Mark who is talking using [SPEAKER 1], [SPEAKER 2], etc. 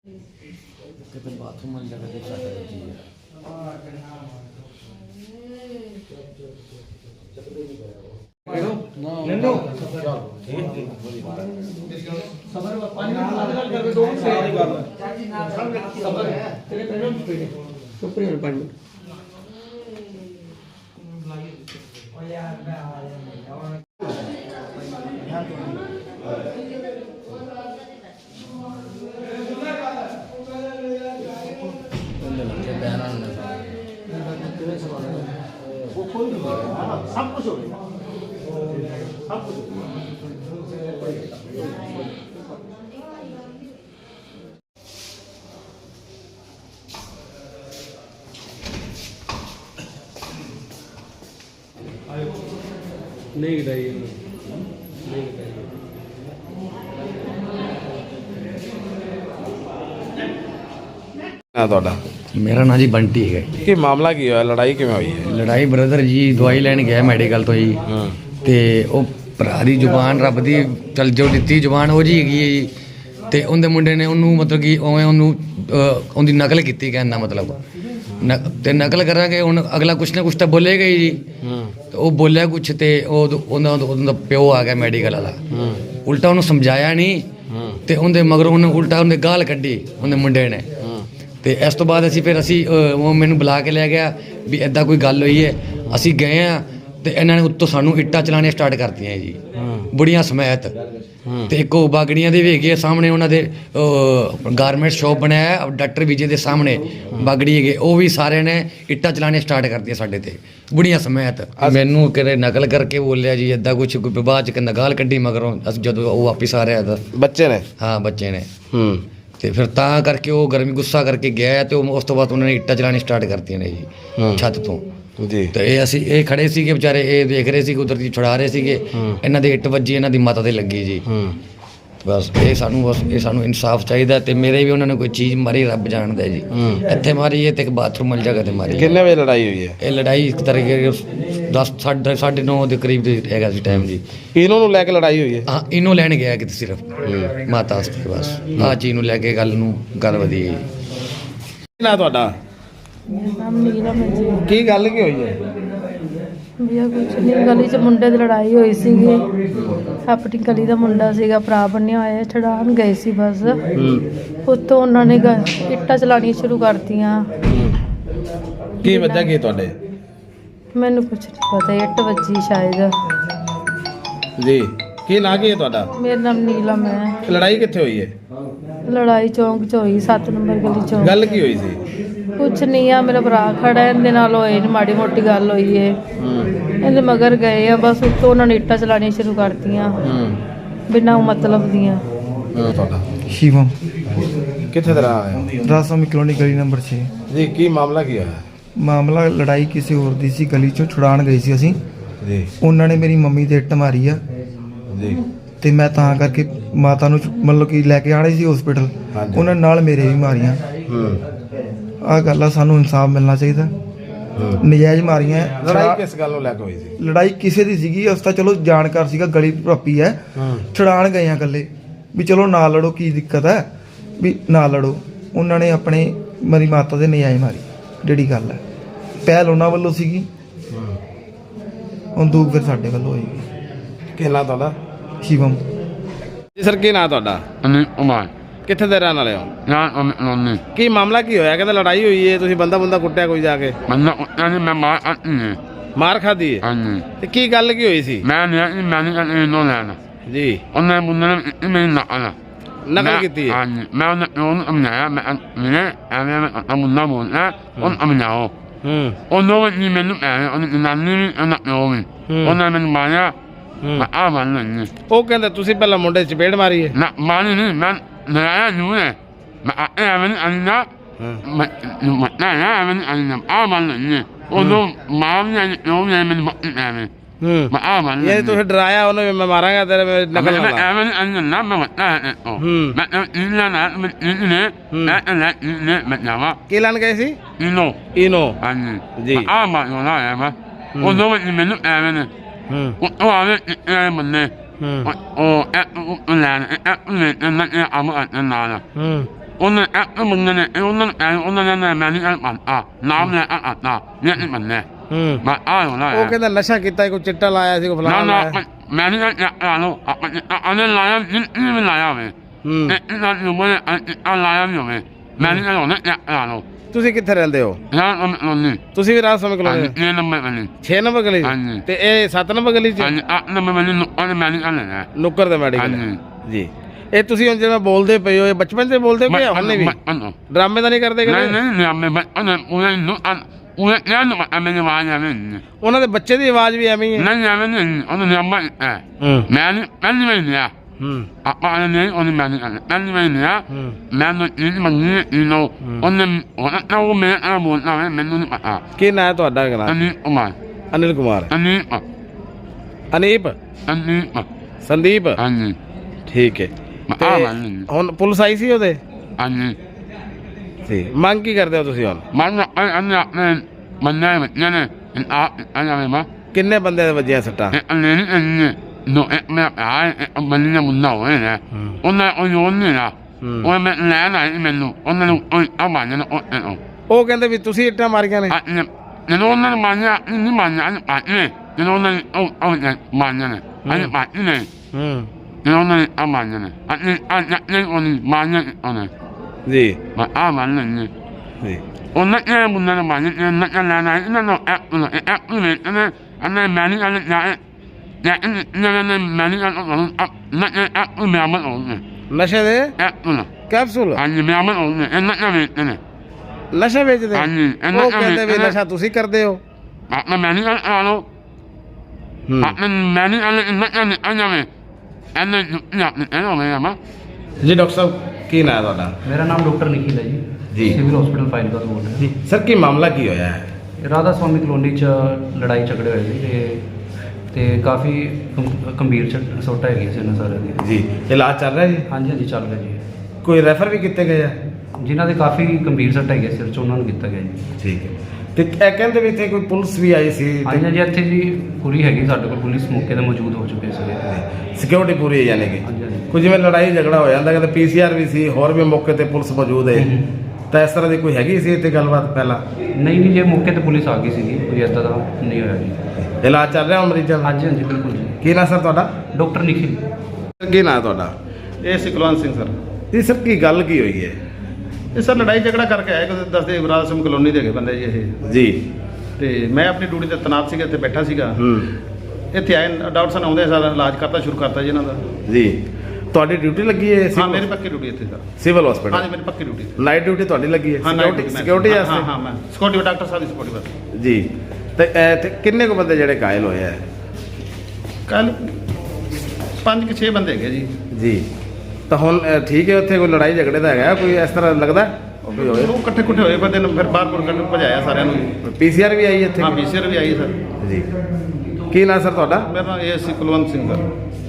[SPEAKER 1] कितने बाथरूम वाली जगह देख सकते हैं जी।
[SPEAKER 2] सब कुछ हो गया, सब कुछ
[SPEAKER 3] नहीं गिटाई नहीं गिटाई।
[SPEAKER 4] ਤੁਹਾਡਾ
[SPEAKER 1] मेरा नाम जी बंटी है।
[SPEAKER 4] ਕੀ ਮਾਮਲਾ ਕੀ ਹੋਇਆ? ਲੜਾਈ ਕਿਵੇਂ ਹੋਈ ਹੈ?
[SPEAKER 1] ਲੜਾਈ ਬ੍ਰਦਰ ਜੀ ਦਵਾਈ ਲੈਣ ਗਿਆ ਮੈਡੀਕਲ ਤੋਂ ਜੀ। ਤੇ ਉਹ ਭਰਾ ਦੀ ਜ਼ੁਬਾਨ ਰੱਬ ਦੀ ਚਲ ਜੋ ਦਿੱਤੀ ਜ਼ੁਬਾਨ ਉਹ ਜੀ ਹੈਗੀ ਹੈ ਜੀ। ਤੇ ਉਹਦੇ ਮੁੰਡੇ ਨੇ ਉਹਨੂੰ ਮਤਲਬ ਕਿ ਉਵੇਂ ਉਹਨੂੰ ਉਹਦੀ ਨਕਲ ਕੀਤੀ ਕਹਿਣ ਦਾ ਮਤਲਬ ਤੇ ਨਕਲ ਕਰਾਂਗੇ ਹੁਣ ਅਗਲਾ ਕੁਛ ਨਾ ਕੁਛ ਤਾਂ ਬੋਲੇਗਾ ਹੀ ਜੀ। ਉਹ ਬੋਲਿਆ ਕੁਛ ਤੇ ਉਹਦਾ ਪਿਓ ਆ ਗਿਆ ਮੈਡੀਕਲ ਵਾਲਾ, ਉਲਟਾ ਉਹਨੂੰ ਸਮਝਾਇਆ ਨਹੀਂ ਤੇ ਉਹਦੇ ਮਗਰੋਂ ਉਹਨੇ ਉਲਟਾ ਉਹਨੇ ਗਾਲ ਕੱਢੀ ਉਹਦੇ ਮੁੰਡੇ ਨੇ। ਤੇ ਇਸ ਤੋਂ ਬਾਅਦ ਅਸੀਂ ਉਹ ਮੈਨੂੰ ਬੁਲਾ ਕੇ ਲੈ ਗਿਆ ਵੀ ਇੱਦਾਂ ਕੋਈ ਗੱਲ ਹੋਈ ਹੈ। ਅਸੀਂ ਗਏ ਆ ਤੇ ਇਹਨਾਂ ਨੇ ਉੱਤੋਂ ਸਾਨੂੰ ਇੱਟਾਂ ਚਲਾਉਣੀਆਂ ਸਟਾਰਟ ਕਰਤੀਆਂ ਜੀ, ਬੁੜੀਆਂ ਸਮੇਤ। ਤੇ ਇੱਕ ਉਹ ਬਾਗੜੀਆਂ ਦੇ ਵੀ ਹੈਗੇ ਸਾਹਮਣੇ, ਉਹਨਾਂ ਦੇ ਗਾਰਮੈਂਟ ਸ਼ੋਪ ਬਣਾਇਆ ਡਾਕਟਰ ਵਿਜੇ ਦੇ ਸਾਹਮਣੇ ਬਾਗੜੀ ਹੈਗੇ, ਉਹ ਵੀ ਸਾਰਿਆਂ ਨੇ ਇੱਟਾਂ ਚਲਾਉਣੀਆਂ ਸਟਾਰਟ ਕਰਤੀਆਂ ਸਾਡੇ ਤੇ ਬੁੜੀਆਂ ਸਮੇਤ। ਮੈਨੂੰ ਕਿਤੇ ਨਕਲ ਕਰਕੇ ਬੋਲਿਆ ਜੀ ਇੱਦਾਂ ਕੁਛ, ਬਾਅਦ ਚ ਕਹਿੰਦਾ ਗਾਲ ਕੱਢੀ ਮਗਰੋਂ ਜਦੋਂ ਉਹ ਵਾਪਿਸ ਆ ਰਿਹਾ ਤਾਂ
[SPEAKER 4] ਬੱਚੇ ਨੇ?
[SPEAKER 1] ਹਾਂ ਬੱਚੇ ਨੇ। ਤੇ ਫਿਰ ਤਾਂ ਕਰਕੇ ਉਹ ਗਰਮੀ ਗੁੱਸਾ ਕਰਕੇ ਗਿਆ ਤੇ ਉਸ ਤੋਂ ਬਾਅਦ ਉਹਨਾਂ ਨੇ ਇੱਟਾਂ ਚਲਾਉਣੀ ਸਟਾਰਟ ਕਰਤੀਆਂ ਨੇ ਜੀ ਛੱਤ ਤੋਂ
[SPEAKER 4] ਜੀ।
[SPEAKER 1] ਤੇ ਇਹ ਖੜੇ ਸੀਗੇ ਵਿਚਾਰੇ, ਇਹ ਦੇਖ ਰਹੇ ਸੀ ਕੁਦਰਤੀ ਛੁਡਾ ਰਹੇ ਸੀਗੇ। ਇਹਨਾਂ ਦੇ ਇੱਟ ਵੱਜੀ, ਇਹਨਾਂ ਦੀ ਮਾਤਾ ਤੇ ਲੱਗੀ ਜੀ। ਬਸ ਇਹ ਸਾਨੂੰ ਇਨਸਾਫ ਚਾਹੀਦਾ। ਤੇ ਮੇਰੇ ਵੀ ਉਹਨਾਂ ਨੇ ਕੋਈ ਚੀਜ਼ ਮਾਰੀ ਰੱਬ ਜਾਣਦਾ ਜੀ। ਇੱਥੇ ਮਾਰੀ ਹੈ ਤੇ ਇੱਕ ਬਾਥਰੂਮ ਵਾਲੀ ਜਗ੍ਹਾ ਤੇ ਮਾਰੀ।
[SPEAKER 4] ਕਿੰਨੇ ਵਜੇ ਲੜਾਈ ਹੋਈ ਹੈ?
[SPEAKER 1] ਇਹ ਲੜਾਈ ਇੱਕ ਤਰੀਕੇ 9:30 ਦੇ ਕਰੀਬ ਹੈਗਾ ਸੀ ਟਾਈਮ ਜੀ।
[SPEAKER 4] ਇਹਨੂੰ ਨੂੰ ਲੈ ਕੇ ਲੜਾਈ ਹੋਈ ਹੈ?
[SPEAKER 1] ਹਾਂ ਇਹਨੂੰ ਲੈਣ ਗਿਆ ਕਿਤੇ ਸਿਰਫ ਮਾਤਾ ਵਾਸਤੇ, ਬਸ ਆਹ ਚੀਜ਼ ਨੂੰ ਲੈ ਕੇ ਗੱਲ ਵਧੀ ਹੈ ਜੀ।
[SPEAKER 4] ਕੀ ਨਾਂ ਤੁਹਾਡਾ?
[SPEAKER 5] ਨਾਮ ਨੀਲਮ ਹੈ ਜੀ।
[SPEAKER 4] ਕੀ ਗੱਲ ਕੀ ਹੋਈ ਹੈ?
[SPEAKER 5] ਭਈਆ ਕੁਛ ਨਹੀਂ, ਗਲੀ 'ਚ ਮੁੰਡੇ ਦੀ ਲੜਾਈ ਹੋਈ ਸੀਗੀ। ਆਪਣੀ ਗਲੀ ਦਾ ਮੁੰਡਾ ਸੀਗਾ, ਭਰਾ ਬੰਨਿਆ ਹੋਇਆ, ਛਡਾਉਣ ਗਏ ਸੀ ਬਸ। ਉੱਤੋਂ ਉਹਨਾਂ ਨੇ ਇੱਟਾਂ ਚਲਾਉਣੀਆਂ ਸ਼ੁਰੂ ਕਰਤੀਆਂ।
[SPEAKER 4] ਕੀ ਵਜ੍ਹਾ ਕੀ ਤੁਹਾਡੇ?
[SPEAKER 5] ਮੈਨੂੰ ਕੁਛ ਨਹੀਂ ਪਤਾ, ਇੱਟ ਵੱਜੀ ਸ਼ਾਇਦ।
[SPEAKER 4] ਜੀ। ਕੀ ਨਾਂ ਕੀ ਹੈ ਤੁਹਾਡਾ?
[SPEAKER 5] ਮੇਰਾ ਨਾਮ ਨੀਲਮ ਹੈ।
[SPEAKER 4] ਲੜਾਈ ਕਿੱਥੇ ਹੋਈ ਹੈ?
[SPEAKER 5] ਲੜਾਈ ਚੌਂਕ 'ਚ ਹੋਈ, 7 ਨੰਬਰ ਗਲੀ ਚੌਂਕ।
[SPEAKER 4] ਗੱਲ ਕੀ ਹੋਈ ਸੀ?
[SPEAKER 5] ਕੁਛ ਨਹੀਂ ਆ, ਮੇਰਾ ਭਰਾ ਖੜਾ, ਇਹਦੇ ਨਾਲ ਹੋਏ ਨੇ, ਮਾੜੀ ਮੋਟੀ ਗੱਲ ਹੋਈ ਏ। ਇਹਦੇ ਮਗਰ ਗਏ ਆ ਬਸ, ਉੱਤੋਂ ਉਹਨਾਂ ਨੇ ਇੱਟਾਂ ਚਲਾਉਣੀਆਂ ਸ਼ੁਰੂ ਕਰਤੀਆਂ ਬਿਨਾਂ ਮਤਲਬ ਦੀਆਂ।
[SPEAKER 4] ਤੁਹਾਡਾ?
[SPEAKER 6] शिवम
[SPEAKER 4] ਕਿੱਥੇ ਦਾ ਆਇਆ ਹੋ?
[SPEAKER 6] रासवामी कॉलोनी गली नंबर 6।
[SPEAKER 4] ਜੀ। ਕੀ ਮਾਮਲਾ ਕੀ ਹੋਇਆ?
[SPEAKER 6] ਮਾਮਲਾ ਲੜਾਈ ਕਿਸੇ ਹੋਰ ਦੀ ਸੀ, ਗਲੀ ਚੋਂ ਛੁਡਾਣ ਗਏ ਸੀ ਅਸੀਂ।
[SPEAKER 4] ਜੀ
[SPEAKER 6] ਉਹਨਾਂ ਨੇ ਮੇਰੀ ਮੰਮੀ ਤੇ ਇੱਟ ਮਾਰੀ ਆ
[SPEAKER 4] ਜੀ।
[SPEAKER 6] ਤੇ ਮੈਂ ਤਾਂ ਕਰਕੇ ਮਾਤਾ ਨੂੰ ਮਤਲਬ ਕਿ ਲੈ ਕੇ ਆਣੇ ਸੀ ਹਸਪੀਟਲ।
[SPEAKER 4] ਹਾਂਜੀ।
[SPEAKER 6] ਉਹਨਾਂ ਨਾਲ ਮੇਰੇ ਵੀ ਮਾਰੀਆਂ। ਆਹ ਗੱਲ ਆ, ਸਾਨੂੰ ਇਨਸਾਫ ਮਿਲਣਾ ਚਾਹੀਦਾ। ਨਜਾਇਜ਼ ਮਾਰੀਆਂ।
[SPEAKER 4] ਲੜਾਈ ਕਿਸ ਗੱਲ ਨੂੰ ਲੈ ਕੇ ਹੋਈ ਸੀ?
[SPEAKER 6] ਲੜਾਈ ਕਿਸੇ ਦੀ ਸੀਗੀ, ਉਸ ਤਾਂ ਚਲੋ ਜਾਣਕਾਰ ਸੀਗਾ, ਗਲੀ ਭਰਾਪੀ ਹੈ। ਛੁਡਾਣ ਗਏ ਆ ਇਕੱਲੇ ਵੀ ਚਲੋ ਨਾ ਲੜੋ, ਕੀ ਦਿੱਕਤ ਹੈ ਵੀ ਨਾ ਲੜੋ। ਉਹਨਾਂ ਨੇ ਆਪਣੇ ਮੇਰੀ ਮਾਤਾ ਦੇ ਨਜਾਇਜ਼ ਮਾਰੀ, ਜਿਹੜੀ ਗੱਲ ਹੈ। ਪਹਿਲ ਉਹਨਾਂ ਵੱਲੋਂ ਸੀਗੀ, ਹੁਣ ਦੂਰ ਫਿਰ ਸਾਡੇ ਵੱਲੋਂ ਹੋਏਗੀ।
[SPEAKER 4] ਕੀ ਨਾਂ ਤੁਹਾਡਾ?
[SPEAKER 6] ਸ਼ਿਵਮ।
[SPEAKER 4] ਜੀ ਸਰ, ਕੀ ਨਾਂ ਤੁਹਾਡਾ?
[SPEAKER 1] ਉਮਰ
[SPEAKER 4] ਕਿੱਥੇ ਦੇ ਰਹਿਣ ਵਾਲੇ ਹੋ?
[SPEAKER 1] ਨਾ
[SPEAKER 4] ਕੀ ਮਾਮਲਾ ਕੀ ਹੋਇਆ? ਕਹਿੰਦਾ ਲੜਾਈ ਹੋਈ ਹੈ, ਤੁਸੀਂ ਬੰਦਾ ਕੁੱਟਿਆ ਕੋਈ ਜਾ ਕੇ?
[SPEAKER 1] ਮੈਂ
[SPEAKER 4] ਮਾਰ ਖਾਦੀ ਹੈ?
[SPEAKER 1] ਹਾਂਜੀ।
[SPEAKER 4] ਤੇ ਕੀ ਗੱਲ ਕੀ ਹੋਈ ਸੀ?
[SPEAKER 1] ਮੈਂ ਨਹੀਂ ਲੈਣਾ
[SPEAKER 4] ਜੀ।
[SPEAKER 1] ਉਹਨੇ ਮੁੰਡੇ ਨੇ ਮੈਨੂੰ
[SPEAKER 4] ਨਕਲ ਕੀਤੀ ਹੈ?
[SPEAKER 1] ਹਾਂਜੀ। ਮੈਂ ਉਹਨੂੰ ਅਮਨਾਇਆ, ਮੈਂ ਐਵੇਂ ਮੁੰਡਾ ਬੋਲਣਾ ਉਹਨੂੰ ਅਮਨਾਓ। ਉਹਨੂੰ ਵੀ ਮੈਨੂੰ ਉਹਨੇ ਨਾਨੀ ਵੀ ਉਹ ਵੀ ਉਹਨਾਂ ਮੈਨੂੰ ਮਾਰਿਆ। ਮੈਂ ਆ ਮੰਨ ਲੈਣੀ।
[SPEAKER 4] ਉਹ ਕਹਿੰਦਾ ਤੁਸੀਂ ਪਹਿਲਾਂ ਮੁੰਡੇ ਚਪੇੜ ਮਾਰੀ ਹੈ?
[SPEAKER 1] ਨਾ ਮਾਰੀ ਨਹੀਂ, ਮੈਂ ਨਰਾਇਆ ਨੂੰ ਹੈ। ਮੈਂ ਐਵੇਂ ਅਨਨਾ ਮੈਂ ਐਵੇਂ ਅਨਨਾ ਆ ਮੰਨ ਲੈਣੀ। ਉਹਨੂੰ ਮਾਰ ਨਹੀਂ ਉਹ ਮੈਨੂੰ ਐਵੇਂ ਮੈਂ ਆ ਮੰਨ
[SPEAKER 4] ਇਹ ਤੁਸੀਂ ਡਰਾਇਆ ਉਹਨੂੰ ਵੀ ਮੈਂ ਮਾਰਾਂਗਾ ਤੇਰੇ ਨਕਲ ਨਾਲ?
[SPEAKER 1] ਐਵੇਂ ਅਨਨਾ ਮੈਂ ਮੈਂ ਇਹਨਾਂ ਨਾਲ ਮੈਂ ਜਾਵਾ।
[SPEAKER 4] ਕੀ ਲੈਣ ਗਏ ਸੀ?
[SPEAKER 1] ਇਨੋ ਹਾਂਜੀ
[SPEAKER 4] ਜੀ।
[SPEAKER 1] ਆ ਮਾਰਨਾ ਹੈ ਮੈਂ ਉਹਨੂੰ ਮੈਨੂੰ ਐਵੇਂ ਨੇ ਉਹ ਆਵੇ ਮੰਨੇ ਉਹ ਲੈਣ ਨਾਲ
[SPEAKER 7] ਉਹਨਾਂ ਇੱਕ ਬੰਦੇ ਨੇ ਉਹਨਾਂ ਨੇ ਮੈਂ ਨਹੀਂ ਆ ਨਾਮ ਲੈ ਆ ਨਹੀਂ ਮੰਨੇ ਮੈਂ ਆ ਹੋਣਾ
[SPEAKER 4] ਉਹ ਕਹਿੰਦਾ ਨਸ਼ਾ ਕੀਤਾ ਕੋਈ ਚਿੱਟਾ ਲਾਇਆ ਸੀ ਕੋਈ
[SPEAKER 7] ਨਾ
[SPEAKER 4] ਫਲਾਣਾ
[SPEAKER 7] ਨਾ
[SPEAKER 4] ਲਾਇਆ।
[SPEAKER 7] ਮੈਂ ਨਹੀਂ ਆ ਲੋ ਉਹਨੇ ਲਾਇਆ ਨਹੀਂ ਲਾਇਆ ਹੋਵੇ ਇਹਨਾਂ ਨੂੰ ਮੈਂ ਲਾਇਆ ਨਹੀਂ ਹੋਵੇ ਮੈਂ ਨਹੀਂ ਲਾਉਣਾ ਆ ਲੋ
[SPEAKER 4] ਤੁਸੀਂ ਕਿੱਥੇ ਰਹਿੰਦੇ ਹੋ?
[SPEAKER 7] ਯਾਰ ਉਹਨੇ
[SPEAKER 4] ਤੁਸੀਂ ਵੀ ਰਾਜ ਸਮੇਂ ਕਲੋਨੀ
[SPEAKER 7] ਇਹ ਨੰਬਰ ਮੈਨੂੰ
[SPEAKER 4] 6 ਨੰਬਰ ਗਲੀ 'ਚ?
[SPEAKER 7] ਹਾਂਜੀ।
[SPEAKER 4] ਤੇ ਇਹ 7 ਨੰਬਰ ਗਲੀ 'ਚ?
[SPEAKER 7] ਹਾਂਜੀ 8 ਨੰਬਰ ਮੈਨੂੰ ਉਹਨੇ ਮੈਂ ਨਹੀਂ ਲੈਣਾ
[SPEAKER 4] ਨੁੱਕਰ ਦੇ ਮੈਡੀਕਲ
[SPEAKER 7] ਹਾਂਜੀ
[SPEAKER 4] ਜੀ। ਇਹ ਤੁਸੀਂ ਹੁਣ ਜਿਵੇਂ ਬੋਲਦੇ ਪਏ ਹੋ ਇਹ ਬਚਪਨ 'ਚ ਬੋਲਦੇ ਪਏ ਹੋ ਹਲੇ ਵੀ ਡਰਾਮੇ ਤਾਂ ਨਹੀਂ ਕਰਦੇ
[SPEAKER 7] ਨਹੀਂ
[SPEAKER 4] ਕਦੇ?
[SPEAKER 7] ਨਹੀਂ ਮੈਂ ਉਹਨੇ ਮੈਂ ਆਵਾਜ਼ ਆਵੇਂ
[SPEAKER 4] ਉਹਨਾਂ ਦੇ ਬੱਚੇ ਦੀ ਆਵਾਜ਼ ਵੀ ਐਵੇਂ ਹੀ ਹੈ।
[SPEAKER 7] ਨਹੀਂ ਆਵੇਂ ਨਹੀਂ ਉਹਨੇ ਨੰਬਰ ਮੈਂ ਨਹੀਂ ਆ ਆਪਾਂ ਨੇ ਉਹਨੇ ਮੈਂ ਨਹੀਂ ਆ ਮੈਂ ਨਹੀਂ ਮੰਨੀ ਇਹਨੂੰ ਉਹਨੇ ਉਹ ਮੈਂ ਆ ਬੋਲਦਾ ਮੈਨੂੰ ਨਹੀਂ ਪਤਾ
[SPEAKER 4] ਕੀ ਨਾਂ ਹੈ ਤੁਹਾਡਾ ਨਾਮ?
[SPEAKER 7] ਅਨੀ ਉਮਰ
[SPEAKER 4] ਅਨਿਲ ਕੁਮਾਰ
[SPEAKER 7] ਅਨੀ
[SPEAKER 4] ਅਨੀਪ
[SPEAKER 7] ਅਨੀ
[SPEAKER 4] ਸੰਦੀਪ
[SPEAKER 7] ਹਾਂਜੀ
[SPEAKER 4] ਠੀਕ ਹੈ।
[SPEAKER 7] ਆ
[SPEAKER 4] ਤੇ
[SPEAKER 7] ਮੰਨੀ
[SPEAKER 4] ਹੁਣ ਪੁਲਿਸ ਆਈ ਸੀ ਉਹਦੇ?
[SPEAKER 7] ਹਾਂਜੀ
[SPEAKER 4] ਜੀ ਮੰਗ ਕੀ ਕਰਦੇ ਹੋ ਤੁਸੀਂ ਹੁਣ?
[SPEAKER 7] ਮੰਨ ਆਪਣੇ ਮੰਨਿਆ ਨੇ ਆ ਮੈਂ
[SPEAKER 4] ਕਿੰਨੇ ਬੰਦੇ ਦੇ ਵੱਜੀਆਂ ਸੱਟਾਂ?
[SPEAKER 7] ਨਹੀਂ no ਮੈਂ ਆ ਮੰਨੀ ਨਾ ਮੁੰਨਾ ਹੋਏ ਨੇ ਉਹਨਾਂ ਉਹਨੇ ਨਾ ਉਹ ਮੈਂ ਲੈਣਾ ਮੈਨੂੰ ਉਹਨਾਂ ਨੂੰ ਆ ਮੰਨਣਾ
[SPEAKER 4] ਉਹ ਕਹਿੰਦੇ ਵੀ ਤੁਸੀਂ ਇੱਟਾਂ ਮਾਰੀਆਂ ਨੇ?
[SPEAKER 7] ਜਦੋਂ ਉਹਨਾਂ ਨੇ ਮੰਨਿਆ ਨਹੀਂ ਮੰਨਿਆ ਪਾਣੇ ਜਦੋਂ ਉਹਨਾਂ ਨੇ ਉਹ ਮੰਨਣਾ ਅਨੇ ਪਾਣੇ ਨੇ ਜਦੋਂ ਉਹਨਾਂ ਨੇ ਆ ਮੰਨਣਾ ਅਨੇ ਉਹਨੇ ਮੰਨਣਾ ਉਹਨੇ
[SPEAKER 4] ਜੀ
[SPEAKER 7] ਆ ਮੰਨਣਾ
[SPEAKER 4] ਜੀ
[SPEAKER 7] ਉਹਨਾਂ ਨੇ ਮੁੰਨਾ ਨੇ ਮੰਨਣਾ ਨਾ ਲੈਣਾ ਇਹਨਾਂ ਨੂੰ ਅਨੇ ਮੈਂ ਨਹੀਂ ਨਾ
[SPEAKER 4] ਨਸ਼ੇ ਦੇ ਕੈਪਸੂਲ ਨਸ਼ਾ ਵੇਚਦੇ? ਉਹ ਕਹਿੰਦੇ ਵੀ ਨਸ਼ਾ ਤੁਸੀਂ ਕਰਦੇ ਹੋ? ਜੀ ਡਾਕਟਰ ਸਾਹਿਬ ਕੀ ਨਾਂ ਹੈ ਤੁਹਾਡਾ?
[SPEAKER 8] ਮੇਰਾ ਨਾਮ ਡਾਕਟਰ ਨਿਖਿਲ ਹੈ ਜੀ
[SPEAKER 4] ਜੀ।
[SPEAKER 8] ਸਿਵਲ ਹਸਪੀਟਲ ਫਾਜ਼ਿਲਕਾ ਤੋਂ ਬੋਲ ਰਿਹਾ
[SPEAKER 4] ਜੀ ਸਰ ਕੀ ਮਾਮਲਾ ਕੀ ਹੋਇਆ ਹੈ?
[SPEAKER 8] ਰਾਧਾ ਸਵਾਮੀ ਕਲੋਨੀ 'ਚ ਲੜਾਈ ਝਗੜੇ ਹੋਏ ਸੀ ਤੇ ਕਾਫੀ ਗੰਭੀਰ ਸੋਟਾਂ ਹੈਗੀਆਂ ਸੀ ਇਹਨਾਂ ਸਾਰਿਆਂ ਦੀ।
[SPEAKER 4] ਜੀ ਇਲਾਜ ਚੱਲ ਰਿਹਾ ਜੀ?
[SPEAKER 8] ਹਾਂਜੀ ਹਾਂਜੀ ਚੱਲ ਰਿਹਾ ਜੀ।
[SPEAKER 4] ਕੋਈ ਰੈਫਰ ਵੀ ਕੀਤੇ ਗਏ ਆ?
[SPEAKER 8] ਜਿਨ੍ਹਾਂ ਦੇ ਕਾਫੀ ਗੰਭੀਰ ਸੱਟ ਹੈਗੀਆਂ ਸਿਰ 'ਚ ਉਹਨਾਂ ਨੂੰ ਕੀਤਾ ਗਿਆ ਜੀ।
[SPEAKER 4] ਠੀਕ ਹੈ। ਤੇ ਇਹ ਕਹਿੰਦੇ ਵੀ ਇੱਥੇ ਕੋਈ ਪੁਲਿਸ ਵੀ ਆਈ ਸੀ?
[SPEAKER 8] ਹਾਂਜੀ ਹਾਂਜੀ ਇੱਥੇ ਜੀ ਪੂਰੀ ਹੈਗੀ ਸਾਡੇ ਕੋਲ ਪੁਲਿਸ ਮੌਕੇ ਤੇ ਮੌਜੂਦ ਹੋ ਚੁੱਕੇ ਸੀ।
[SPEAKER 4] ਸਿਕਿਉਰਿਟੀ ਪੂਰੀ ਹੈ ਯਾਨੀ ਕਿ?
[SPEAKER 8] ਹਾਂਜੀ ਹਾਂਜੀ।
[SPEAKER 4] ਕੋਈ ਜਿਵੇਂ ਲੜਾਈ ਝਗੜਾ ਹੋ ਜਾਂਦਾ ਕਹਿੰਦੇ ਪੀਸੀਆਰ ਵੀ ਸੀ ਹੋਰ ਵੀ ਮੌਕੇ ਤੇ ਪੁਲਿਸ ਮੌਜੂਦ ਹੈ ਤਾਂ ਇਸ ਤਰ੍ਹਾਂ ਦੀ ਕੋਈ ਹੈਗੀ ਸੀ ਇੱਥੇ ਗੱਲਬਾਤ ਪਹਿਲਾਂ?
[SPEAKER 8] ਨਹੀਂ ਨਹੀਂ ਜੇ ਮੌਕੇ ਤੇ ਪੁਲਿਸ ਆ ਗਈ ਸੀਗੀ ਕੋਈ ਇੱਦਾਂ ਦਾ ਨਹੀਂ ਹੋਇਆ ਜੀ।
[SPEAKER 4] ਇਲਾਜ ਚੱਲ ਰਿਹਾ ਮਰੀਜ਼ਾਂ ਦਾ?
[SPEAKER 8] ਹਾਂਜੀ ਹਾਂਜੀ ਬਿਲਕੁਲ ਜੀ।
[SPEAKER 4] ਕੀ ਨਾਂ ਸਰ ਤੁਹਾਡਾ?
[SPEAKER 8] ਡਾਕਟਰ ਨਿਖਿਲ।
[SPEAKER 4] ਕੀ ਨਾਂ ਤੁਹਾਡਾ?
[SPEAKER 2] ਇਹ ਸੀ ਕੁਲਵੰਤ ਸਿੰਘ ਸਰ।
[SPEAKER 4] ਜੀ ਸਰ ਕੀ ਗੱਲ ਕੀ ਹੋਈ ਹੈ?
[SPEAKER 2] ਇਹ ਸਰ ਲੜਾਈ ਝਗੜਾ ਕਰਕੇ ਆਏ ਕਿ ਦੱਸਦੇ ਰਾਜ ਸਿੰਘ ਕਲੋਨੀ ਦੇ ਹੈਗੇ ਬੰਦੇ ਜੀ ਇਹ।
[SPEAKER 4] ਜੀ।
[SPEAKER 2] ਤੇ ਮੈਂ ਆਪਣੀ ਡਿਊਟੀ ਤੇ ਤੈਨਾਤ ਸੀਗਾ ਇੱਥੇ ਬੈਠਾ ਸੀਗਾ। ਇੱਥੇ ਆਏ ਡਾਕਟਰ ਸਾਹਿਬ ਆਉਂਦੇ ਸਰ ਇਲਾਜ ਕਰਤਾ ਸ਼ੁਰੂ ਕਰਤਾ ਜੀ ਇਹਨਾਂ ਦਾ।
[SPEAKER 4] ਜੀ ਤੁਹਾਡੀ ਡਿਊਟੀ ਲੱਗੀ ਹੈ?
[SPEAKER 2] ਹਾਂ ਮੇਰੀ ਪੱਕੀ ਡਿਊਟੀ ਇੱਥੇ ਸਰ।
[SPEAKER 4] Civil hospital?
[SPEAKER 2] ਹਾਂਜੀ ਮੇਰੀ ਪੱਕੀ ਡਿਊਟੀ।
[SPEAKER 4] ਨਾਈਟ ਡਿਊਟੀ ਤੁਹਾਡੀ ਲੱਗੀ ਹੈ?
[SPEAKER 2] ਹਾਂ
[SPEAKER 4] ਸਿਕਿਉਰਿਟੀ ਵਾਸਤੇ?
[SPEAKER 2] ਹਾਂ ਮੈਂ ਸਿਕਿਉਰਿਟੀ ਡਾਕਟਰ ਸਾਹਿਬ ਦੀ ਸਿਕਿਉਰਿਟੀ ਵਾਸਤੇ
[SPEAKER 4] ਜੀ। ਤੇ ਇੱਥੇ ਕਿੰਨੇ ਕੁ ਬੰਦੇ ਜਿਹੜੇ ਘਾਇਲ ਹੋਏ ਆ?
[SPEAKER 2] ਕੱਲ 5 ਕਿ 6 ਬੰਦੇ ਹੈਗੇ ਜੀ।
[SPEAKER 4] ਜੀ ਤਾਂ ਹੁਣ ਠੀਕ ਹੈ ਉੱਥੇ ਕੋਈ ਲੜਾਈ ਝਗੜੇ ਦਾ ਹੈਗਾ ਕੋਈ ਇਸ ਤਰ੍ਹਾਂ ਲੱਗਦਾ ਕੋਈ ਹੋਏ?
[SPEAKER 2] ਉਹ ਇਕੱਠੇ ਕੁੱਠੇ ਹੋਏ ਬੰਦੇ ਨੂੰ ਫਿਰ ਬਾਹਰ ਕੱਢ ਭਜਾਇਆ ਸਾਰਿਆਂ ਨੂੰ।
[SPEAKER 4] ਪੀਸੀਆਰ ਵੀ ਆਈ ਇੱਥੇ?
[SPEAKER 2] ਹਾਂ ਪੀਸੀਆਰ ਵੀ ਆਈ ਸਰ।
[SPEAKER 4] ਜੀ। ਕੀ ਨਾਂ ਸਰ ਤੁਹਾਡਾ?
[SPEAKER 2] ਮੇਰਾ ਨਾਮ ਇਹ ਸੀ ਕੁਲਵੰਤ ਸਿੰਘ ਸਰ।